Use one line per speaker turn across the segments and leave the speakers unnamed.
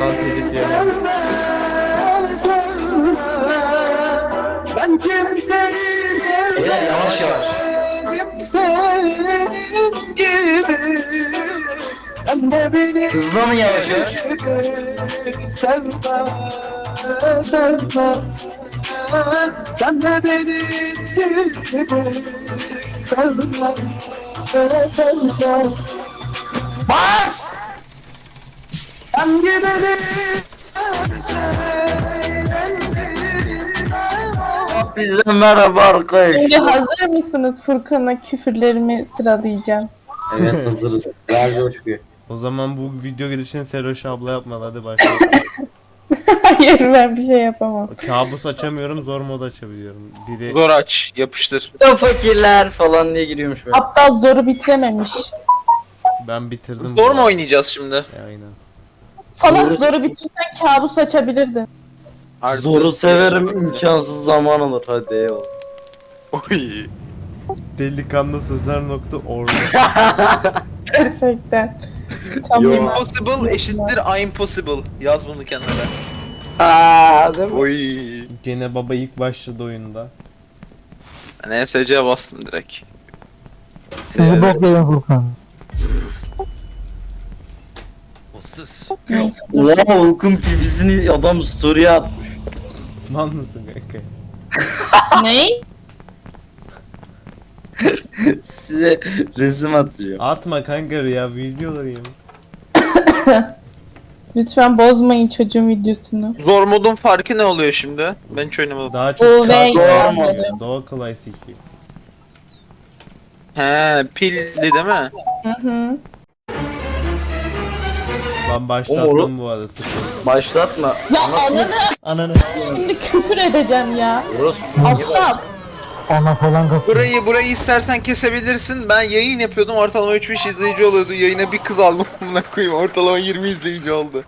Ondan telif yemem.
Ben kimseyi sevmedim.
Yavaş yavaş.
Senin gibi. Sen de beni
Hızlı mı yavaş yavaş?
sevme, sevme. Sen de beni gibi sevme, sevme.
Bas!
Sen gideni
Bize merhaba arkadaş.
Şimdi hazır mısınız? Furkan'a küfürlerimi sıralayacağım.
Evet hazırız. Ver coşkuyu.
O zaman bu video gidişini Seloş abla yapmadı, hadi başlayalım.
Hayır, ben bir şey yapamam.
Kabus açamıyorum, zor mod açabiliyorum. Biri
Zor aç, yapıştır.
Da fakirler falan diye giriyormuş böyle.
Aptal zoru bitirememiş.
ben bitirdim.
Zor mu oynayacağız şimdi?
Aynen.
Salak zoru bitirsen kabus açabilirdin.
Artı-
Zoru severim, imkansız zaman alır. Hadi eyvallah.
Oy.
Delikanlı sözler nokta orada.
Gerçekten.
Yo.
Tamam.
Impossible eşittir impossible. Yaz bunu kenara.
Aaa değil mi?
Oy.
Gene baba ilk başladı oyunda.
Ben ESC'ye bastım direkt.
Sizi bok yedim Furkan.
Neyse.
Ulan Hulk'un pibisini adam story'e atmış.
Mal mısın kanka?
Ne?
Size resim atacağım.
Atma kanka ya, videolarıyım.
Lütfen bozmayın çocuğun videosunu.
Zor modun farkı ne oluyor şimdi? Ben hiç oynamadım.
Daha çok
O ve
kolay
yazmadı.
sikiyor. Daha kolay sikiyor.
He, pilli değil mi?
Hı hı.
Ben başlattım bu arada, sıfır.
Başlatma.
Ya ananı
Ananı.
şimdi küfür edeceğim ya.
Burası
Aptal.
Ana falan kapıyor.
Burayı istersen kesebilirsin. Ben yayın yapıyordum, ortalama 3-5 izleyici oluyordu. Yayına bir kız aldım. Buna koyayım, ortalama 20 izleyici oldu.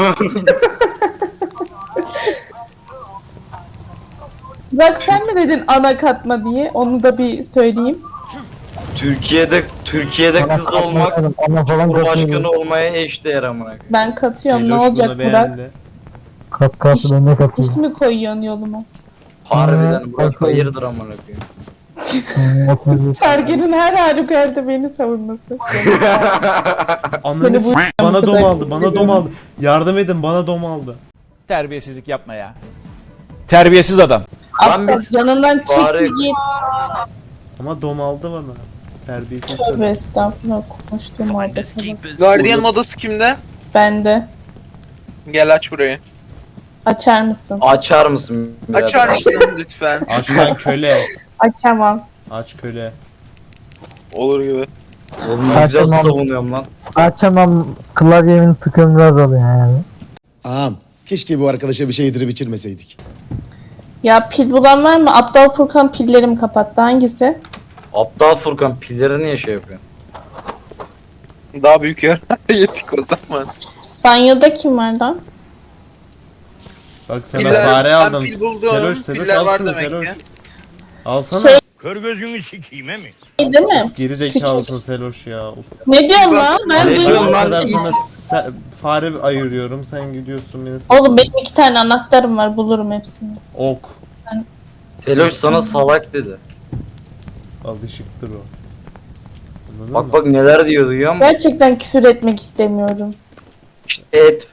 Bak sen mi dedin ana katma diye? Onu da bir söyleyeyim.
Türkiye'de
Ana
kız
kapıyor,
olmak
ana falan
Cumhurbaşkanı
kapıyor.
olmaya eşdeğer amına.
Ben katıyorum. Ne
Seloş
olacak
bunu
Burak?
beğendi.
Kat kat
İş-
ben de kapıyor.
İş mi koyuyorsun yoluma?
Harbiden Burak
Başka-
hayırdır amına koyayım.
Sergen'in her halükarda beni savunması.
Ananı
Seni bu-
bana dom aldı, bana dom aldı. Yardım edin, bana dom aldı.
Terbiyesizlik yapma ya. Terbiyesiz adam.
Aptal
biz-
yanından çek
Bari-
git.
Ama dom aldı bana. Terbiyesiz
Tövbe
kadın.
estağfurullah, konuştuğum muhabbete bak.
Guardian odası kimde?
Bende.
Gel aç burayı.
Açar mısın?
Açar mısın? birader?
Açar mısın lütfen?
Aç lan köle.
Açamam.
Aç köle.
Olur gibi.
Oğlum ben güzel
Açamam.
savunuyorum lan.
Açamam, klavyemin tıkım biraz alıyor yani.
Ağam, keşke bu arkadaşa bir şey yedirip içirmeseydik.
Ya pil bulan var mı? Aptal Furkan pillerimi kapattı. Hangisi?
Aptal Furkan pilleri niye şey yapıyor?
Daha büyük yer. Yedik o zaman.
Banyoda kim var lan?
Bak sana
Piller-
fare
ben
aldım.
pil buldum.
Seloş,
Piller
al
var
şunu
demek
Seloş.
ki.
Alsana.
Şey
Kör gözünü sikeyim mi?
değil mi?
Geri zekalısın Seloş ya. Of.
Ne diyorsun lan? Ben
Ne
Ben
diyorsun
o
duyuyorum.
lan?
kadar sana fare ayırıyorum, sen gidiyorsun beni
Oğlum benim 2 tane anahtarım var. Bulurum hepsini.
Ok.
Teloş sana salak dedi.
Alışıktır o. Anladın
Bak
mı?
bak neler diyor duyuyor musun?
Gerçekten küfür etmek istemiyorum.
İşte et.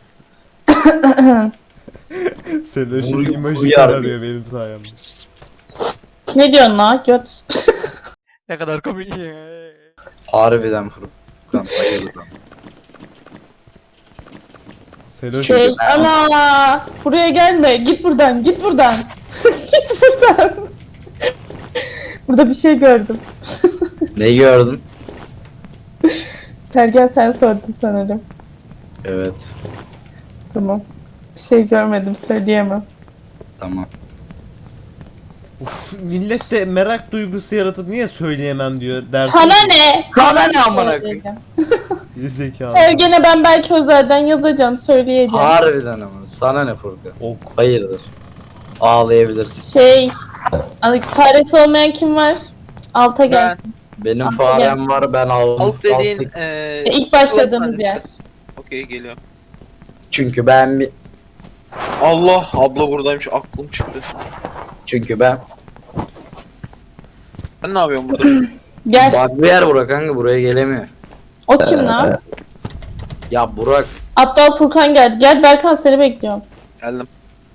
Seloş'un
Vuruyor,
imajı
vuruyor
kararıyor benim sayemde.
Ne diyorsun lan? Göt.
Ne kadar komik ya.
Harbiden Furkan hayırdır.
Seloş
Şey ana buraya gelme. Git buradan. Git buradan. Git buradan. Burada bir şey gördüm.
Ne gördün?
Sergen sen sordun sanırım.
Evet.
Tamam. Bir şey görmedim söyleyemem.
Tamam.
Uf, millet de merak duygusu yaratıp niye söyleyemem diyor dersin.
Sana ne?
Sana ne amına koyayım?
Söyleyeceğim.
Zekalı.
Sergen'e ben belki özelden yazacağım söyleyeceğim.
Harbiden ama. Sana ne Furkan?
Ok.
Hayırdır. Ağlayabilirsin.
Şey faresi olmayan kim var? Alta gelsin.
Benim
Alt
farem var ben aldım.
Alt dediğin
Alttaki-
İlk başladığımız yer.
Okey geliyor.
Çünkü ben bir...
Allah, abla buradaymış, aklım çıktı.
Çünkü ben...
Ben ne yapıyorum burada?
Gel.
Bak bir yer Burak kanka, buraya gelemiyor.
O kim lan?
Ya Burak,
Aptal Furkan geldi. Gel Berkan, seni bekliyorum.
Geldim.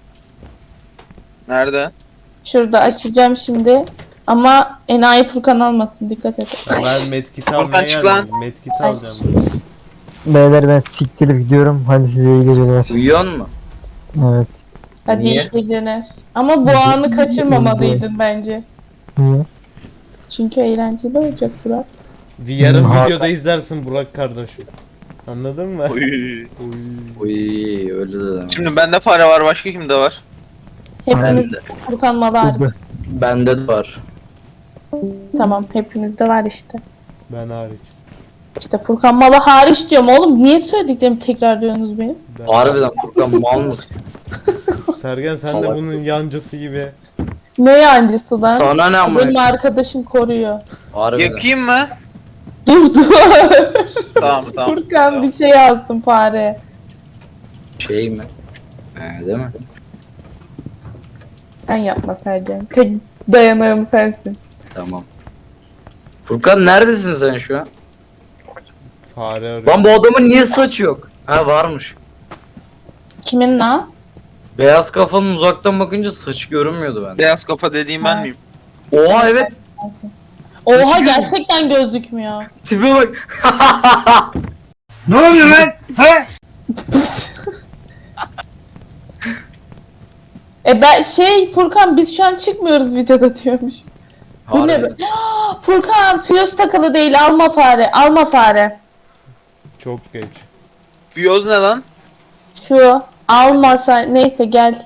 Nerede?
Şurada açacağım şimdi. Ama enayi Furkan almasın, dikkat et.
Ben medkit
Furkan
almaya
çık
geldim. Medkit alacağım.
Beyler ben siktirip gidiyorum. Hadi size iyi geceler.
uyuyor mu?
Evet.
Hadi
Niye?
iyi geceler. Ama bu anı kaçırmamalıydın bence.
Niye?
Çünkü eğlenceli olacak Burak.
Yarın
Hmm,
videoda izlersin Burak kardeşim. Anladın mı?
Oy.
Oy.
Uy, öyle de demez.
Şimdi bende fare var, başka kimde var?
Hepimiz
Bende.
Furkan malı hariç.
Bende de var.
Tamam, hepimizde var işte.
Ben hariç.
İşte Furkan malı hariç diyorum oğlum. Niye söylediklerimi tekrar diyorsunuz benim?
Ben...
Harbiden Furkan mal mısın?
Sergen sen de
Salak.
bunun yancısı gibi.
Ne yancısı lan?
Sana ne ama?
Benim arkadaşım koruyor.
Harbiden.
Yakayım mı?
Dur dur.
Tamam tamam.
Furkan bir şey yazdım fare.
Şey mi? Değil mi?
Sen yapma Sergen. Tek dayanağım sensin.
Tamam. Furkan neredesin sen şu an?
Fare arıyor.
Lan bu adamın niye saçı yok? Ha varmış.
Kimin lan?
Beyaz kafanın uzaktan bakınca saçı görünmüyordu bende.
Beyaz kafa dediğim ben miyim?
Oha evet.
Sensin. Oha, gerçekten gözükmüyor.
Tipe bak.
Ben Furkan biz şu an çıkmıyoruz videoda diyormuş. Bu ne be?
Harbiden.
Furkan fuse takılı değil, alma fare, alma fare.
Çok geç.
Fiyoz ne lan?
Şu almasa neyse gel.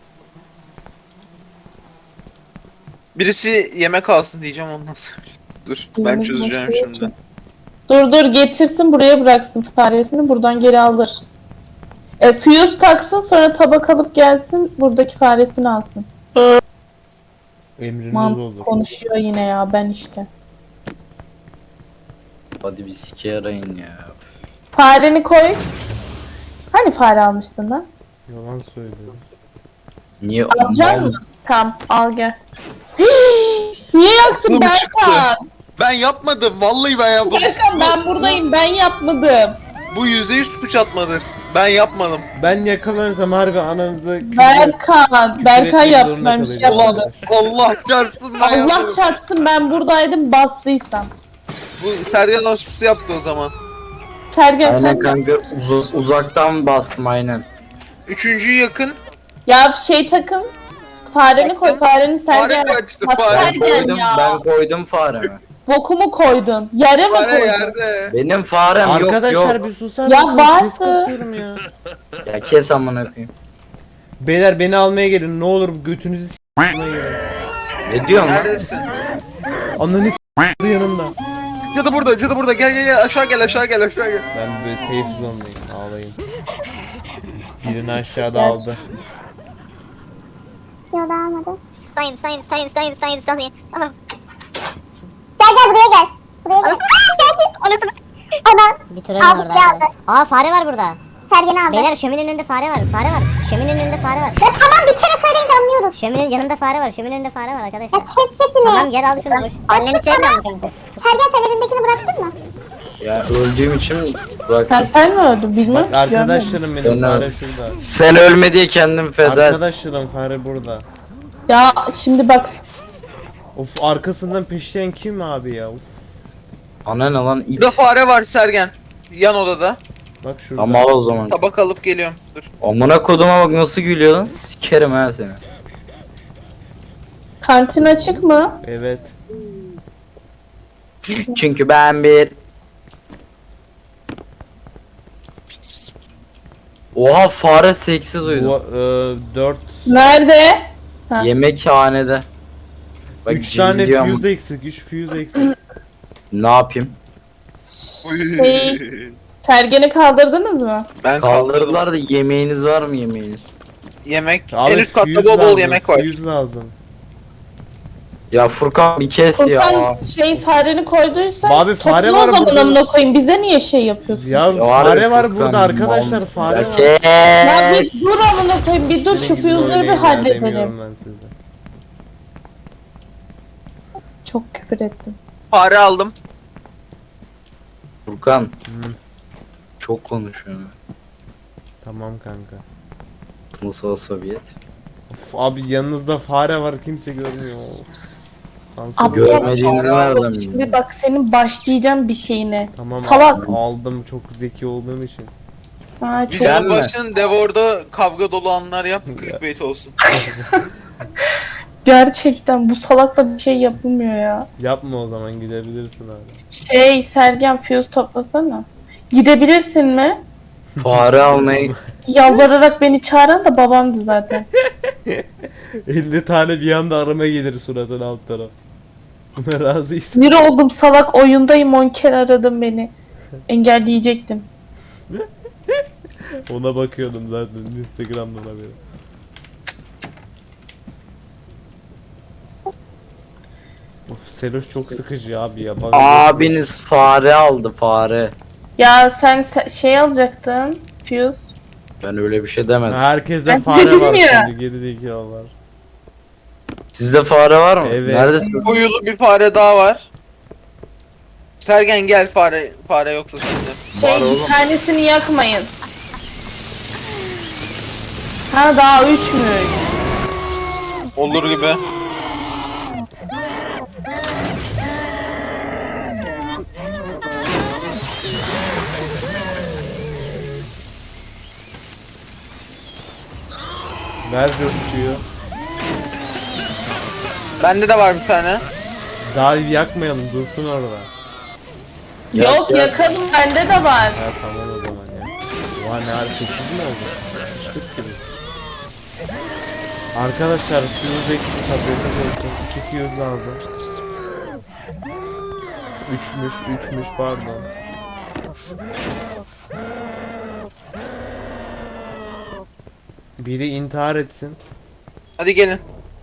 Birisi yemek alsın diyeceğim ondan sonra. Dur ben
Yemek
çözeceğim
nasıl
şimdi.
Dur getirsin buraya bıraksın faresini, buradan geri alır. Fuse taksın, sonra tabak alıp gelsin, buradaki faresini alsın.
Emriniz
Man
olur.
konuşuyor yine ya, ben işte.
Hadi bir sike arayın ya.
Fareni koy. Hani fare almıştın lan?
Yalan söylüyorum.
Niye
Alacak
mal
mısın?
mısın?
Tamam, al gel. Niye yaktın
Aklım
Berkan?
Ben yapmadım. Vallahi ben yapmadım.
Berkan ben buradayım, ben yapmadım.
Bu %100 suç atmadır. Ben yapmadım.
Ben yakalanırsam harbi ananızı
Berkan
etmek
yaptı,
zorunda
ben bir şey
kalacağım.
yapmadım.
Allah çarpsın ben
Allah
yapmadım.
çarpsın, ben buradaydım, bastıysam.
Bu Sergen hospisi yaptı o zaman.
Sergen
Aynen
sen
kanka uzaktan bastım aynen.
Üçüncüyü yakın.
ya takın. Fareni koy, fareni Sergen.
Fare kaçtı,
Ha,
fare.
Sergen
Koydum,
ya.
ben koydum faremi.
Bokumu koydun. Yere mi
Fare
koydun?
yerde.
Benim farem yok
Arkadaşlar
yok.
bir susar
Ya
mısınız?
vardı.
Ses kasıyorum ya.
Ya kes amına koyayım.
Beyler beni almaya gelin ne olur götünüzü s**maya gelin.
Ne diyorsun lan?
Neredesin?
Ananı s***dı yanımda.
Cadı burada, cadı burada. Gel gel gel aşağı gel aşağı gel aşağı gel.
Ben böyle safe zone'dayım ağlayın. Birini aşağıda aldı.
Yok daha almadı. Sayın. Aha. Gel buraya gel. Buraya gel. Anasını. Ana.
Bir troll
Aldı,
var
şey aldı.
orada. Aa fare var burada.
Sergen aldı.
Beyler şöminenin önünde fare var. Fare var. Şöminenin önünde fare var.
Ya tamam bir kere söyleyince anlıyoruz.
Şöminenin yanında fare var. Şöminenin önünde fare var
Ya
arkadaşlar.
kes sesini.
Tamam gel al şunu boş. Anneni sevmiyorum kanka.
Sergen sen elindekini bıraktın mı?
Ya öldüğüm için bak.
Sen mi öldün bilmiyorum.
Bak arkadaşlarım benim
Ben
fare şurada.
Sen ölme diye kendim feda et.
Arkadaşlarım fare burada.
Ya şimdi bak.
Of arkasından peşleyen kim abi ya? Of.
Ana ne lan it.
Burada fare var Sergen. Yan odada.
Bak şurada.
Ama al o zaman.
Tabak alıp geliyorum. Dur.
Amına koduma bak nasıl gülüyor lan. Sikerim ha seni.
Kantin açık mı?
Evet.
Çünkü ben bir... Oha fare seksi duydum.
Bu 4
Nerede? Ha.
Yemekhanede. Bak
3 tane
cimriyorum.
fuse eksik. 3 fuse eksik.
Ne yapayım?
Sergen'i kaldırdınız mı?
Ben
Kaldırdılar da yemeğiniz var mı yemeğiniz?
Yemek.
Abi
En üst katta
fuse
bol bol
lazım,
yemek var.
Fuse lazım.
Ya Furkan bir kes ya.
Furkan fareni koyduysan
Abi fare
topla
var
o zaman
burada.
amına koyayım. Bize niye şey yapıyorsun?
Ya
Ya
fare
harbi
var
Furkan,
burada arkadaşlar,
mal.
fare
Ya
var.
Ya
kes.
bir dur amına koyayım, bir dur, şu
Senin gibi
füyüzleri bir
oynayın ya,
halledelim.
demiyorum ben size.
Çok küfür ettim.
Fare aldım.
Furkan. Çok konuşuyor.
Tamam kanka.
Nasıl asabiyet?
Of, abi yanınızda fare var, kimse görmüyor. Kanser
Abi,
oluyor.
Görmediğimizi nereden
Şimdi
bileyim?
bak senin başlayacağım bir şeyine.
Tamam
Salak.
aldım çok zeki olduğum için.
Ha, çok...
Bizim
Sen mi?
başın Devor'da kavga dolu anlar yap. 40 bait olsun.
Gerçekten bu salakla bir şey yapılmıyor ya.
Yapma, o zaman gidebilirsin abi.
Sergen fuse toplasana. Gidebilirsin mi?
Fare almayı
Yalvararak beni çağıran da babamdı zaten.
50 tane bir anda arama gelir suratın alt taraf. Buna razıyız.
Bir oldum salak, oyundayım 10 kere aradım beni. Engelleyecektim.
Ona bakıyordum zaten Instagram'dan haberi. Of, Seloş çok sıkıcı abi ya. Bak,
abiniz fare aldı fare.
Ya sen şey alacaktın. Fuse.
Ben öyle bir şey demedim.
herkeste
Ben
fare
dedim
var
ya.
şimdi, geri zekalı var.
Sizde fare var mı?
Evet.
Neredesin?
Uyulu bir fare daha var. Sergen gel, fare yoksa sende.
Var oğlum.
Bir tanesini yakmayın. Ha daha 3'müş.
Olur gibi.
Ver coşkuyu.
Bende de var bir tane.
Daha yakmayalım, dursun orada.
Yok yakalım, bende de var.
Ha tamam o zaman ya. Oha, ne ara 8 mi oldu? 40 gibi. Arkadaşlar fuse eksik, haberiniz olsun. 2 fuse lazım. 3'müş pardon. Biri intihar etsin.
Hadi gelin.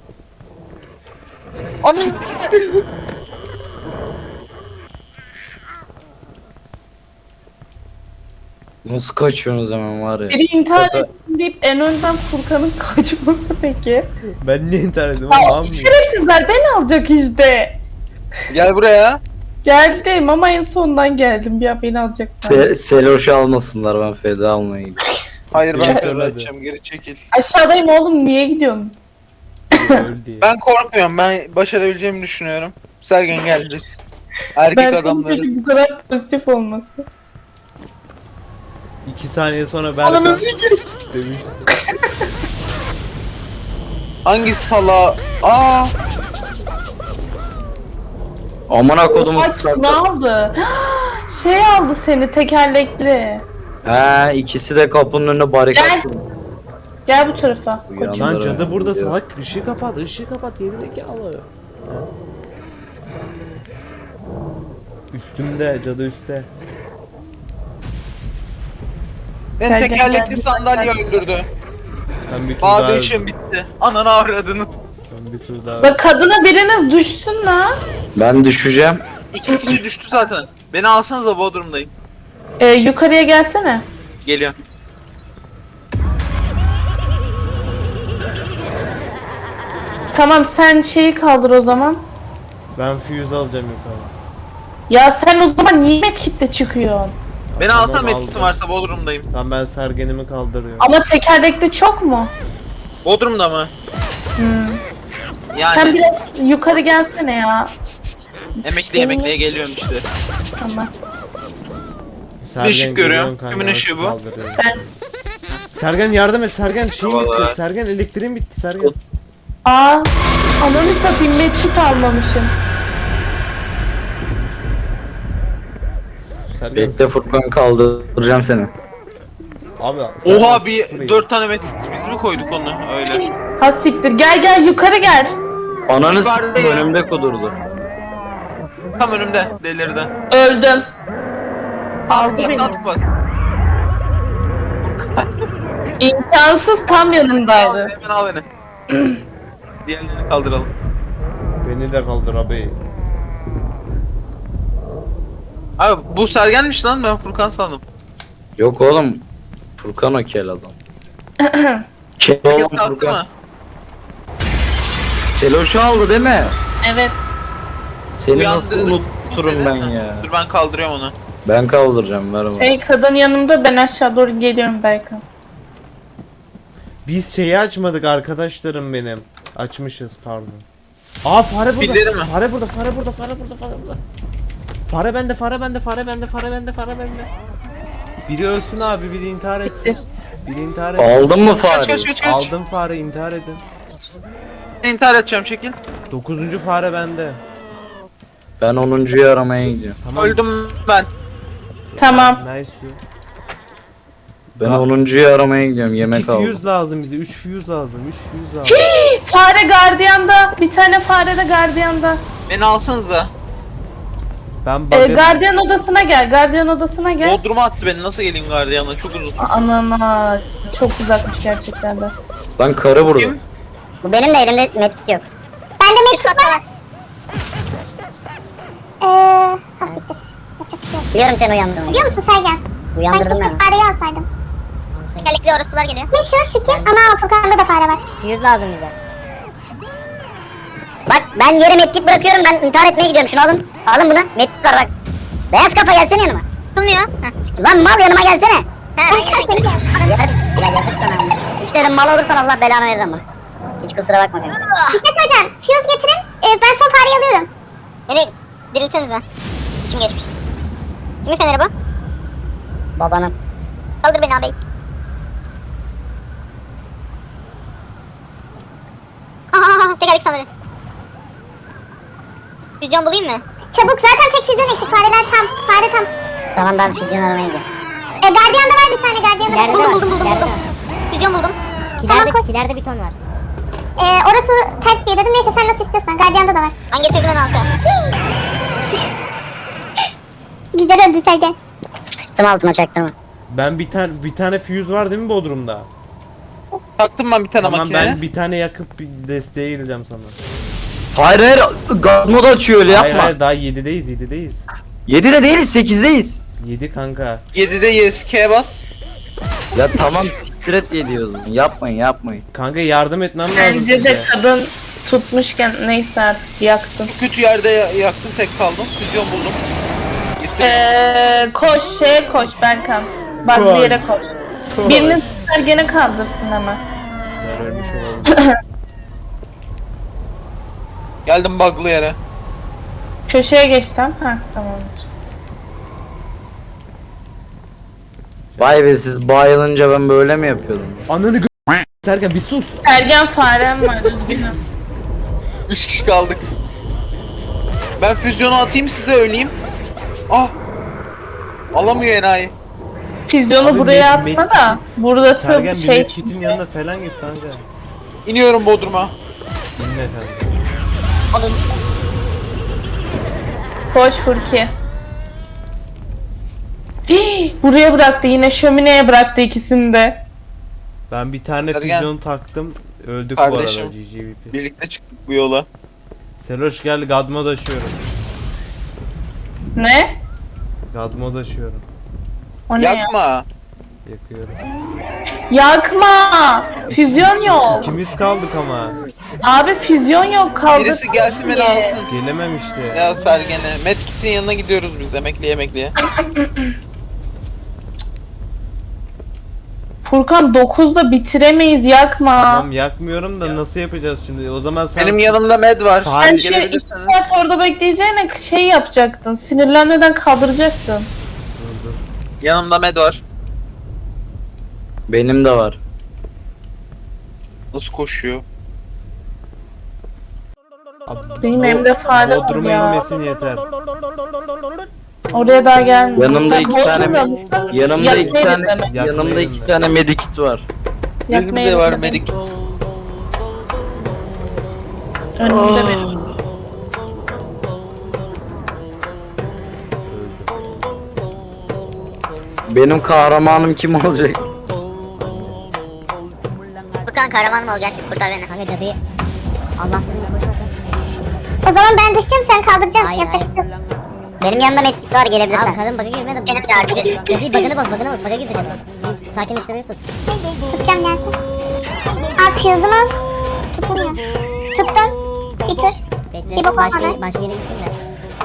Anam sikeyim.
Nasıl kaçıyorsunuz hemen var ya?
Biri intihar
Zaten-
etsin deyip en önden Furkan'ın kaçması peki.
Ben niye intihar ettim?
Ya,
Allah'ım ya.
şerefsizler beni alacak işte.
Gel buraya.
Geldim ama en sondan geldim, ya beni alacaklar.
Seloş'u almasınlar, ben feda almaya gidiyorum.
Hayır, ben
Gel,
feda
hadi.
edeceğim, geri çekil.
Aşağıdayım oğlum, niye gidiyorsunuz?
Öldü ya.
Ben korkmuyorum, ben başarabileceğimi düşünüyorum. Sergen gel biz. Erkek
Ben
adamlarız.
peki bu kadar pozitif olması.
2 saniye sonra
Ananı
Berkan
sikeyim.
demiş.
Hangi sala? Aa,
Amına kodumu
Aç, ne
sakla.
aldı? Şey aldı seni, tekerlekli.
He, ikisi de kapının önüne barikat.
Gel. Gel bu tarafa.
Uyan.
Koçum.
Lan cadı burada
Gidiyor.
salak, ışığı kapat geri zekalı. Üstümde, cadı üstte.
ben
Sergen
tekerlekli
geldi.
sandalye öldürdü.
Ben bir tur daha
Bağda işim bitti. Ananı avradını.
Ben bir tur daha
Bak kadına biriniz düşsün la.
Ben düşeceğim.
İki kişi düştü zaten. Beni alsanız da Bodrum'dayım.
Yukarıya gelsene.
Geliyorum.
Tamam, sen şeyi kaldır o zaman.
Ben fuse alacağım yukarı.
Ya sen o zaman niye medkitle çıkıyorsun?
Beni
Tamam,
alsan
aldım.
medkitim varsa Bodrum'dayım.
Tamam, ben sergenimi kaldırıyorum.
Ama tekerlekli çok mu?
Bodrum'da mı?
Sen
Yani
biraz yukarı gelsene ya.
emekliye geliyorum işte.
Tamam.
Sergen
ışık görüyorum.
geliyorum kanka,
Kimin
nasıl
ışığı bu?
kaldırıyorum?
Ben.
Sergen yardım et, Sergen şeyim
Vallahi.
bitti. Sergen elektriğim bitti, Sergen.
Aa, ananı satayım, medkit almamışım.
Sergen
Bekle Furkan, kaldıracağım seni.
Abi Sergen
Oha, bir
sıfır
4 tane medkit biz mi koyduk onu öyle?
Ha siktir, gel yukarı gel.
Ananı
Yukarıda
s**tim,
ya.
önümde kudurdu.
Tam önümde delirden.
Öldüm.
Sat
beni.
bas, sat bas.
İmkansız, tam yanımdaydı.
Hemen al beni. Diğerlerini kaldıralım.
Beni de kaldır abi.
Abi bu Sergen'miş lan, ben Furkan sandım.
Yok oğlum. Furkan o kel adam. Kel
Herkes
olan
kalktı
Furkan.
mı?
Seloş'u aldı değil mi?
Evet.
Seni nasıl
Uyandırdık
unuturum
seni.
ben ya.
Dur ben kaldırıyorum onu.
Ben kaldıracağım ver bana.
Kadın yanımda, ben aşağı doğru geliyorum Berkan.
Biz şeyi açmadık arkadaşlarım benim. Açmışız pardon. Aa fare burada.
Pilleri mi?
Fare burada, fare burada, fare burada, fare burada. Fare bende, fare bende, fare bende, fare bende, fare bende. Biri ölsün abi, biri intihar etsin. Biri intihar etsin.
Aldın mı
Kaç
fareyi?
kaç kaç kaç.
Aldım fare, intihar edin.
İntihar edeceğim, çekil.
9. fare bende.
Ben 10.'yu aramaya gidiyorum.
Tamam.
Öldüm ben.
Tamam.
Nice you.
Ben 10.'yu aramaya gidiyorum.
2
Yemek aldım.
fuse lazım bize. 3 fuse lazım. 3 fuse lazım.
Fare gardiyanda. Bir tane fare de gardiyanda.
Beni alsanıza.
Ben bakarım.
Gardiyan odasına gel. Gardiyan odasına gel.
Bodrum'a attı beni, nasıl geleyim gardiyanla, çok uzun.
Anana. Çok uzakmış gerçekten de.
Lan karı burada.
Kim?
Bu benim de elimde medkit yok.
Bende medkit var. Hafiftir. Yapacak bir şey yok.
Biliyorum seni uyandırmayı.
Biliyor musun Sergen? Ben
Uyandırdım
keşke
ben.
fareyi alsaydım. Tekerlekli orospular geliyor. Ne şu ki? Ama Furkan'da da fare var.
Fuse lazım bize. Bak ben yere medkit bırakıyorum, ben intihar etmeye gidiyorum, şunu alın. Alın bunu, medkit var bak. Beyaz kafa gelsene yanıma.
Tutulmuyor.
Lan mal yanıma gelsene.
Ben yemek
Ya yazık sana. İşte öyle mal olursan Allah belanı verir ama. Hiç kusura bakma benim.
İşletme hocam. Fuse getirin. Ben son fareyi alıyorum. Beni diriltsenize. İçim geçmiş. Kimin feneri bu?
Babanın.
Kaldır beni abi. Tekerlek sandalye. Füzyon bulayım mı? Çabuk, zaten tek füzyon eksik, fareler tam. Fare tam.
Tamam ben füzyon aramaya gidiyorum.
Gardiyan da var bir tane, gardiyan da
İleride
var.
var,
Buldum.
ileride var.
Füzyon buldum. Tamam, koş.
Kilerde bir ton var.
Orası ters diye dedim, neyse sen nasıl istiyorsan. Gardiyanda da var. Ben getirdim en altı. Güzel öldü Sergen.
Sıçtım altıma, çaktırma.
Ben bir tane fuse var değil mi Bodrum'da?
Taktım ben bir tane
Tamam
makineye.
ben bir tane yakıp bir desteğe geleceğim sana.
Hayır hayır. God mod açıyor öyle
Hayır
yapma.
hayır daha 7'deyiz.
7'de değiliz 8'deyiz.
7 kanka.
7'de YSK bas.
Ya tamam siktir et diyoruz. Yapmayın.
Kanka yardım etmem lazım
Bence de
size.
kadın tutmuşken neyse artık yaktım.
Kötü yerde yaktım, tek kaldım. Füzyon buldum.
Koş Berkan. Bak
Koş.
bir yere koş. Birini Sergen'e kaldırsın hemen.
Ben ölmüş olalım.
Geldim bug'lı yere.
Köşeye geçtim. Ha tamamdır.
Vay be, siz bayılınca ben böyle mi yapıyordum?
Ananı Sergen bir sus.
Sergen farem var, üzgünüm.
3 kişi kaldık. Ben füzyonu atayım size, öleyim. Ah! Alamıyor enayi.
Füzyonu
Abi,
buraya
med-
atma da. Burası
Sergen bir
şey.
medkit'in yanına falan git kanka.
İniyorum Bodrum'a.
Dinle efendim.
Koş Furki. Hii, buraya bıraktı, yine şömineye bıraktı ikisini de.
Ben bir tane
Sergen.
füzyon taktım. Öldük
Kardeşim.
bu arada GGVP.
Birlikte çıktık bu yola.
Seloş gel God mod açıyorum.
Ne?
God mod açıyorum.
O ne ya?
Yakma.
Yakıyorum.
Yakma! Füzyon yok.
İkimiz kaldık ama.
Abi füzyon yok, kaldı.
Birisi gelsin beni alsın.
Gelemem işte.
Ya Sergen'e. Medkit'in yanına gidiyoruz biz, emekliye.
Furkan 9'da bitiremeyiz, yakma.
Tamam yakmıyorum da nasıl yapacağız şimdi? O zaman sen...
Benim yanımda med var.
Hayır.
Sen şey 2
Gelebilirsiniz.
saat orada bekleyeceğine şey yapacaktın. Sinirlenmeden kaldıracaktın.
Dur, dur.
Yanımda med var.
Benim de var.
Nasıl koşuyor?
Abi,
Benim elimde fare var
Bodrum'a
ya.
inmesin yeter.
Oraya daha gelmiyor.
Yanımda
Sen
iki tane
Bodrum'da mısın?
Yanımda iki
Yakmayı
tane
demek.
yanımda iki tane medikit var.
Benim
Yakmayı
de var
demek.
medikit.
Önümde benim.
Benim kahramanım kim olacak?
Furkan kahramanım olacak. Kurtar beni.
Kanka cadıyı. Allah sizinle koşmasın.
O zaman ben düşeceğim, sen kaldıracaksın.
Hayır,
Yapacak bir şey yok.
Benim yanımda medkit var, gelebilirsin. Abi kadın bug'a girme de. Benim de artık. Cadı bug'ını boz. Bug'a girdi cadı. Sakinleştirmeyi tut.
Tutacağım, gelsin. Al fuse'umuz. Tutamıyor. Tuttum. Bir tur.
Bekle.
Bir bok
Başka
olmadı.
yere gitsin de.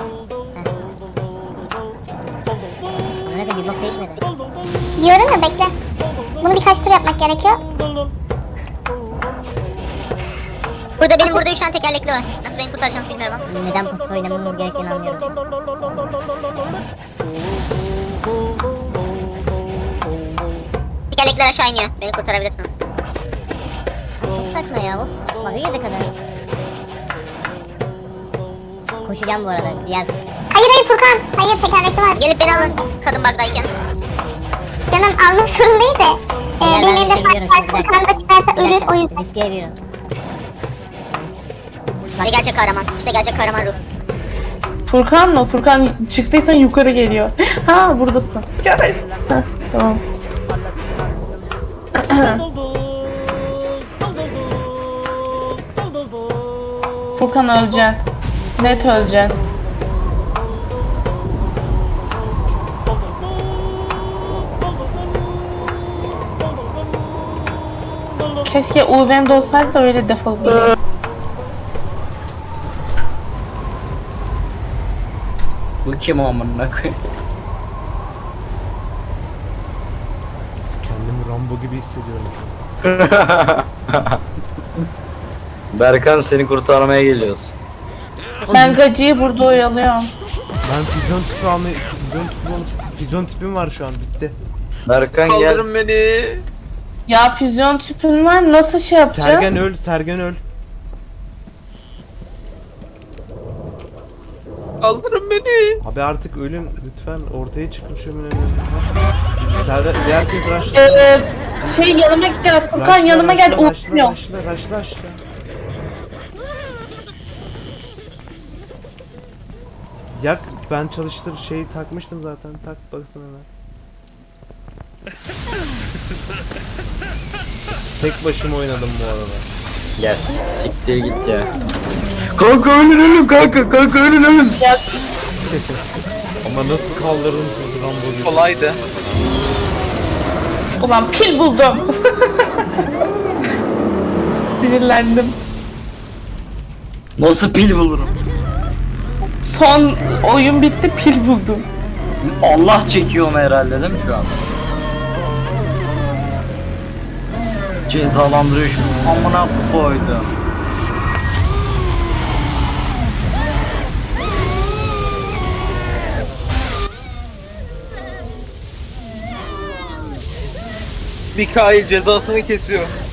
Amına koyayım, bir bok değişmedi.
Diyorum ya, bekle. Bunu birkaç tur yapmak gerekiyor.
Burada benim 3 tane tekerlekli var. Nasıl beni kurtaracağınızı bilmiyorum ama. Neden pasif oynamamız gerektiğini anlıyorum. Tekerlekler aşağı iniyor. Beni kurtarabilirsiniz. Çok saçma ya. Of. Bug'a girdi kadın. Koşacağım bu arada. Diğer.
Hayır Furkan. Hayır, tekerlekli var.
Gelip beni alın. Kadın bug'dayken.
Canım almak sorun değil de.
Eğer
Benim
ben
elimde
seviyorum
fark var.
şimdi, bir dakika.
Furkan da çıkarsa
Bir
ölür,
dakika,
o yüzden.
Riske giriyorum. Hadi gerçek kahraman. İşte gerçek kahraman ruh.
Furkan mı? Furkan çıktıysan yukarı geliyor. Ha buradasın. Gel. Ha, tamam. Furkan öleceksin. Net öleceksin. Keşke UV'mde olsaydı da öyle defolup gidiyor.
Bu kim amına koyayım?
Kendimi Rambo gibi hissediyorum şu an.
Berkan seni kurtarmaya geliyoruz.
Ben gacıyı burada oyalıyorum.
Ben füzyon tipi almayı... Füzyon tipim var şu an, bitti.
Berkan gel.
Kaldırın beni.
Ya füzyon tüpün var, nasıl şey yapacağız?
Sergen öl, Sergen öl.
Kaldırın beni.
Abi artık ölün lütfen, ortaya çıkın şöminenin önüne. Sergen, herkes rushla.
Şey yanıma gel Furkan, yanıma gel, uğraşmıyor.
Rushla. Yak, ben çalıştır şeyi takmıştım zaten, tak baksana hemen. Tek başıma oynadım bu arada.
Gel. Siktir git ya. Kanka ölün kanka ölün.
Ama nasıl kaldırdım sizi Rambo gibi.
Kolaydı.
Ulan pil buldum. Sinirlendim.
Nasıl pil bulurum?
Son oyun bitti, pil buldum.
Allah çekiyor onu herhalde değil mi şu an? Cezalandırıyor şu amına koydu.
Mikail cezasını kesiyor.